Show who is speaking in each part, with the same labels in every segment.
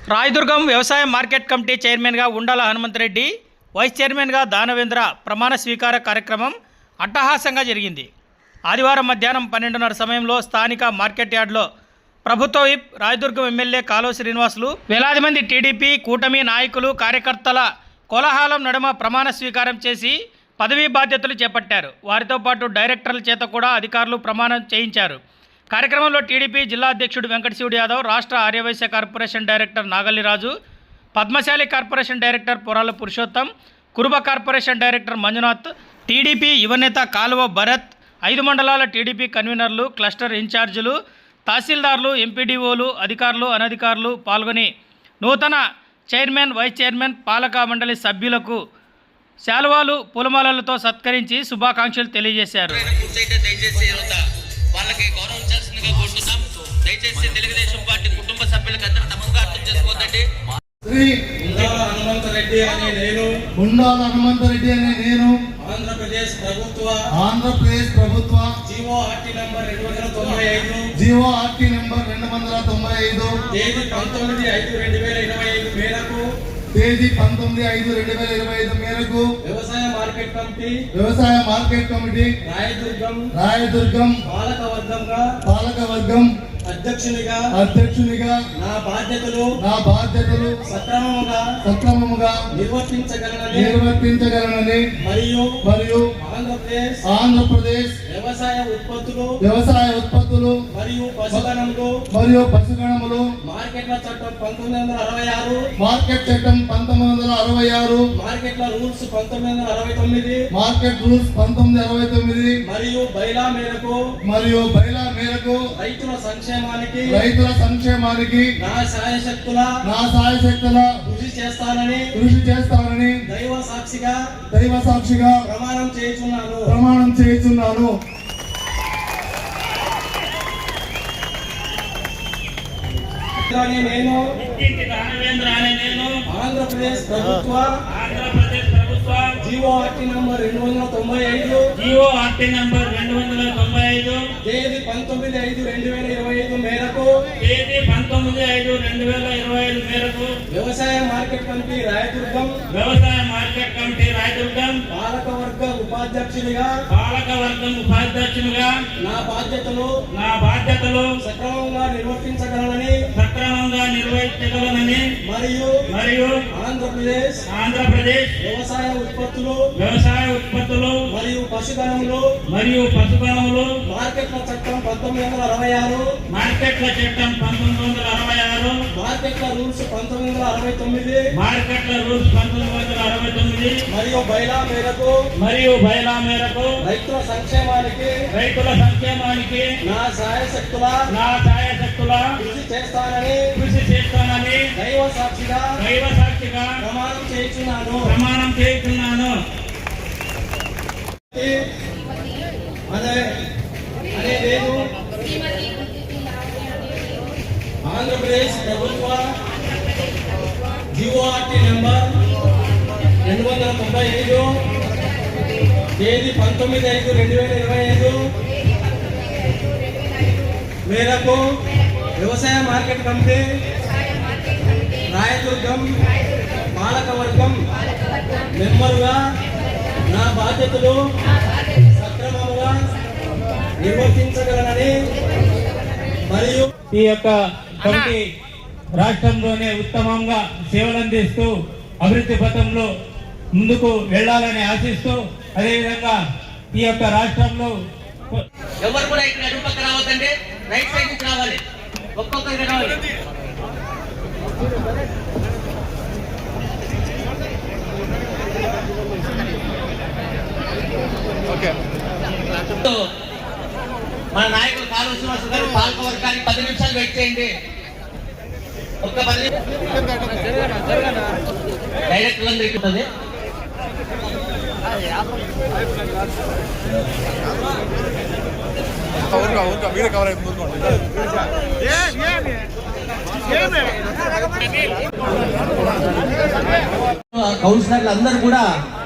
Speaker 1: రాయదుర్గం వ్యవసాయ market committee చైర్మన్గా ఉండాల హనుమంతరెడ్డి, వైస్ చైర్మన్గా దానవేంద్ర ప్రమాణ స్వీకార కార్యక్రమం అట్టహాసంగా జరిగింది. ఆదివారం మధ్యాహ్నం 12:30 సమయంలో స్థానిక మార్కెట్ యార్డ్లో ప్రభుత్వ విప్ రాయదుర్గం ఎమ్మెల్యే కాలువ శ్రీనివాసులు, వేలాది మంది టీడీపీ కూటమి నాయకులు కార్యకర్తల కోలాహలం నడుమ ప్రమాణ స్వీకారం చేసి పదవీ బాధ్యతలు చేపట్టారు. వారితో పాటు డైరెక్టర్ల చేత కూడా అధికారులు ప్రమాణం చేయించారు. కార్యక్రమంలో టీడీపీ జిల్లా అధ్యక్షుడు వెంకటశివుడు యాదవ్, రాష్ట్ర Aryavysya corporation director Nagalliraju, Padmasali corporation director Porala Purushottam, Kuruba corporation director Manjunath, TDP యువనేత కాలువ భరత్, 5 మండలాల టీడీపీ కన్వీనర్లు, క్లస్టర్ ఇన్ఛార్జీలు, తహసీల్దార్లు, ఎంపీడీఓలు, అధికారులు, అనధికారులు పాల్గొని నూతన చైర్మన్, వైస్ చైర్మన్, పాలక మండలి సభ్యులకు శాలువాలు, పూలమాలలతో సత్కరించి శుభాకాంక్షలు తెలియజేశారు.
Speaker 2: వాళ్ళకి గౌరవించాల్సిందిగా కోరుతున్నాం. దయచేసి తెలుగుదేశం పార్టీ కుటుంబ సభ్యులకు అందరూ తప్పుగా అర్థం చేసుకోవద్దండి.
Speaker 3: ఉండాల హనుమంతరెడ్డి అనే నేను ఆంధ్రప్రదేశ్ ప్రభుత్వ జీవోఆర్టీ నంబర్ 295 తేదీ 19/5/2025 మేరకు వ్యవసాయ మార్కెట్ కమిటీ రాయదుర్గం పాలకవర్గం అధ్యక్షునిగా నా బాధ్యతలు సక్రమముగా నిర్వర్తించగలనని మరియు ఆంధ్రప్రదేశ్ వ్యవసాయ ఉత్పత్తులు మరియు పశుగణములు మార్కెట్ల చట్టం 1966 మార్కెట్ల రూల్స్ 1969 మరియు బైలా మేరకు రైతుల సంక్షేమానికి నా సాయశక్తుల కృషి చేస్తానని దైవ సాక్షిగా ప్రమాణం చేయుచున్నాను. నేను ఆంధ్రప్రదేశ్ ప్రభుత్వ జీవోఆర్టీ నంబర్ 295 తేదీ 19/5/2025 మేరకు వ్యవసాయ మార్కెట్ కమిటీ రాయదుర్గం పాలకవర్గం ఉపాధ్యక్షునిగా నా బాధ్యతలు సక్రమంగా నిర్వర్తించగలనని మరియు ఆంధ్రప్రదేశ్ వ్యవసాయ ఉత్పత్తులు మరియు పశుగణములు మార్కెట్ల చట్టం 1966 మార్కెట్ల రూల్స్ 1969 మరియు బైలా మేరకు రైతుల సంక్షేమానికి నా సాయశక్తుల కృషి చేస్తానని దైవ సాక్షిగా ప్రమాణం చేయుచున్నాను. నేను ఆంధ్రప్రదేశ్ ప్రభుత్వ జీవోఆర్టీ నెంబర్ 295 తేదీ 19/5/2025 మేరకు వ్యవసాయ మార్కెట్ కమిటీ రాయదుర్గం పాలకవర్గం మెంబరుగా నా బాధ్యతలు సక్రమంగా నిర్వర్తించగలనని మరియు
Speaker 4: ఈ యొక్క కమిటీ రాష్ట్రంలోనే ఉత్తమంగా సేవలందిస్తూ అభివృద్ధి పథంలో ముందుకు వెళ్ళాలని ఆశిస్తూ, అదేవిధంగా ఈ యొక్క రాష్ట్రంలో
Speaker 2: ఎవరు కూడా ఇక్కడ అడుగుపక్క రావద్దండి, రైట్ సైడ్ నుంచి రావాలి, ఒక్కొక్కరికి రావాలి. మన నాయకులు కాలువ శ్రీనివాసు గారు పాలక వర్గానికి 10 నిమిషాలు వెయిట్ చేయండి. ఒక్క 10 డైరెక్టర్లందరికీ ఉంటుంది. కౌన్సిలర్లు అందరూ కూడా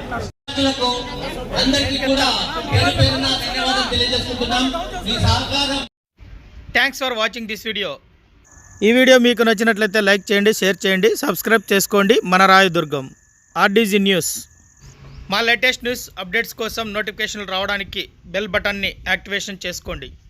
Speaker 2: అందరికీ కూడా పేరు పేరున ధన్యవాదాలు తెలియజేసుకుంటున్నాం. మీ సహకారం.
Speaker 1: Thanks for watching this video. ఈ వీడియో మీకు నచ్చినట్లయితే లైక్ చేయండి, షేర్ చేయండి, సబ్స్క్రైబ్ చేసుకోండి. మన రాయదుర్గం ఆర్డీజీ న్యూస్. మా లేటెస్ట్ న్యూస్ అప్డేట్స్ కోసం నోటిఫికేషన్లు రావడానికి బెల్ బటన్ని యాక్టివేషన్ చేసుకోండి.